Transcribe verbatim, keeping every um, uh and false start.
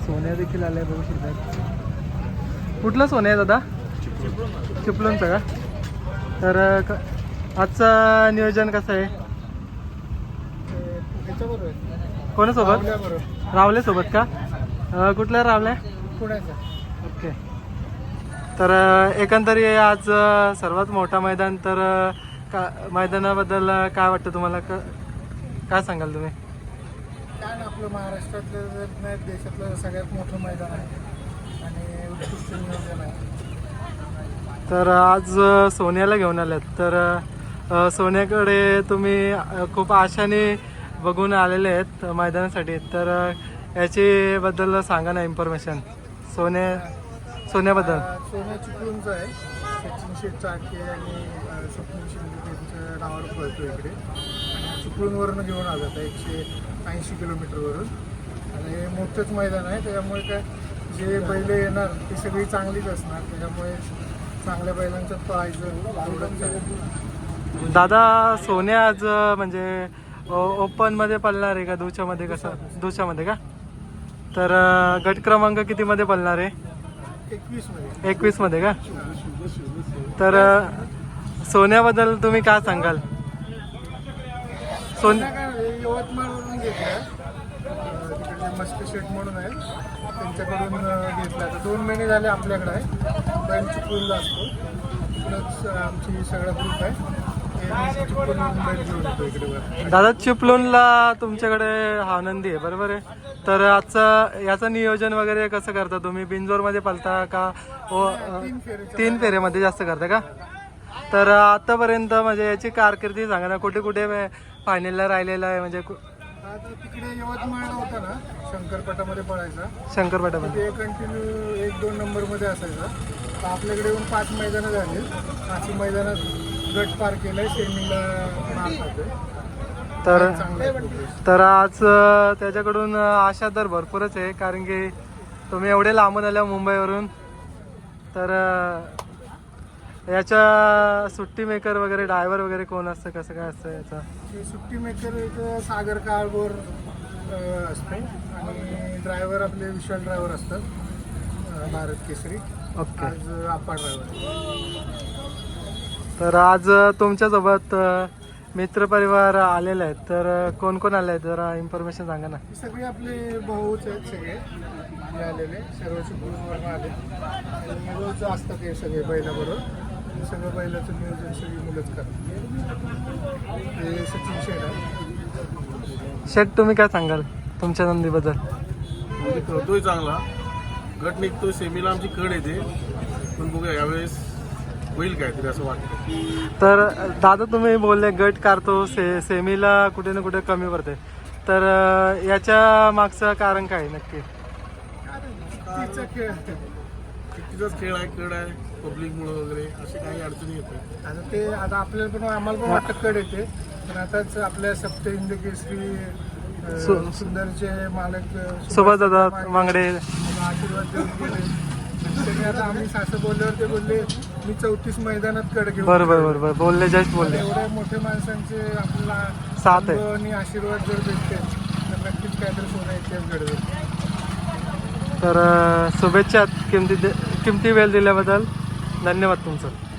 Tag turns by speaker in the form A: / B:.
A: सोन्या देखील आल्या बघू शकता. कुठलं सोनं आहे दादा? चिपळूणचं का? तर आजचं नियोजन कसं आहे? कोणासोबत? रावले सोबत का? कुठल्या रावल्या?
B: पुण्याचा.
A: ओके. तर एकंदरी आज सर्वात मोठा मैदान, तर का मैदानाबद्दल काय वाटतं तुम्हाला? क काय सांगाल तुम्ही?
B: काय ना, आपलं महाराष्ट्रातलं जर नाही देशातलं सगळ्यात मोठं मैदान आहे आणि उत्कृष्ट नियोजन आहे.
A: तर आज सोन्याला घेऊन आल्यात. तर सोन्याकडे तुम्ही खूप आशाने बघून आलेले आहेत मैदानासाठी. तर याची बद्दल सांगा ना इन्फॉर्मेशन सोन्या सोन्याबद्दल.
B: सोन्या चिपळूणचं आहे. सचिन शेठ चाके आणि स्वप्नील शिंदे त्यांच्या नावावर पळतो इकडे. आणि चिपळूणवरून घेऊन आलो आता एकशे ऐंशी किलोमीटरवरून. आणि मोठंच मैदान आहे, त्याच्यामुळे काय जे बैल येणार ती सगळी चांगलीच असणार. त्याच्यामुळे चांगल्या बैलांच्यात पळायचं.
A: दादा सोन्या आज म्हणजे ओपनमध्ये पळणार आहे का दुच्यामध्ये? कसं दुच्यामध्ये का? तर गट क्रमांक कितीमध्ये पळणार आहे?
B: एकवीस मध्ये.
A: एकवीस मध्ये का? तर सोन्याबद्दल तुम्ही काय सांगाल?
B: सोन्या काय यवतमाळवरून घेतला, तिकडे मस्त शेट म्हणून आहे त्यांच्याकडून घेतला. तर दोन महिने झाले आपल्याकडे आहे. बैल चिपळूणला असतो. तिकडंच आमची सगळा ग्रुप आहे.
A: दादा चिपळूणला तुमच्याकडे आनंदी आहे बरोबर आहे. तर आजचं याचं नियोजन वगैरे कसं करता तुम्ही? बिंजोरमध्ये पळता का तीन फेऱ्यामध्ये जास्त करता का? तर आतापर्यंत म्हणजे याची कारकिर्दी सांगा ना, कुठे कुठे फायनलला राहिलेला आहे? म्हणजे
B: तिकडे यवतमाळला होता ना, शंकरपटामध्ये पळायचा.
A: शंकरपटामध्ये
B: कंटिन्यू एक दोन नंबरमध्ये असायचा. तर आपल्याकडे येऊन पाच मैदानं झाली. पाच मैदानात गट पार केलाय, सेमीला मार खातोय.
A: तर तर आज त्याच्याकडून आशा तर भरपूरच आहे, कारण की तुम्ही एवढे लांबून आल्या मुंबईवरून. तर याच्या सुट्टी मेकर वगैरे ड्रायव्हर वगैरे कोण असतं, कसं काय असतं याचा?
B: सुट्टी मेकर एक सागर काळभोर असतो आणि ड्रायव्हर आपले विशाल ड्रायव्हर असतात, भारत केसरी.
A: ओके.
B: आज आपा ड्रायव्हर.
A: तर आज तुमच्यासोबत मित्रपरिवार आलेले आहेत. तर कोण कोण आले आहेत जरा इन्फॉर्मेशन सांगा ना.
B: सगळे आपले भाऊच आहेत, सगळे जे आलेले सर्व चिपळूणवरून आले. आणि रोज असतात हे सगळे बैलाबरोबर. सगळं बैलाचं नियोजन सगळी मुलंच करतात. हे सचिन शेठ आहे.
A: शेठ तुम्ही काय सांगाल तुमच्या नंदीबद्दल?
C: करतोय चांगला, गट निघतोय, सेमीला आमची कड येते. पण बघूया यावेळेस होईल काहीतरी असं वाटतं.
A: तर दादा तुम्ही बोलले गट काढतो, से सेमीला कुठे ना कुठे कमी पडते. तर याच्या मागचं कारण काय नक्की?
B: तिचा खेळ
C: तिचाच खेळ आहे, कड आहे, पब्लिकमुळे वगैरे अशी काही अडचणी येतात.
B: आता ते आता आपल्याला पण आम्हाला पण वाटतं कड येते. पण आताच आपल्या सप्त हिंद केसरी सुंदरचे मालक
A: सुभाष दादा मांगडे
B: आशीर्वाद देऊन गेले. त्यांनी आता आम्ही सासं बोलल्यावर ते बोलले मी चौतीस मैदानात कड घेऊन.
A: बरोबर बरोबर बोलले, जस्ट बोलले.
B: एवढ्या मोठ्या माणसांचे आपला
A: साथ आहे
B: आणि आशीर्वाद जर भेटते तर नक्कीच काहीतरी सोनं इतिहास घडवेल.
A: तर शुभेच्छा किमती किमती वेळ दिल्याबद्दल. धन्यवाद तुमचं.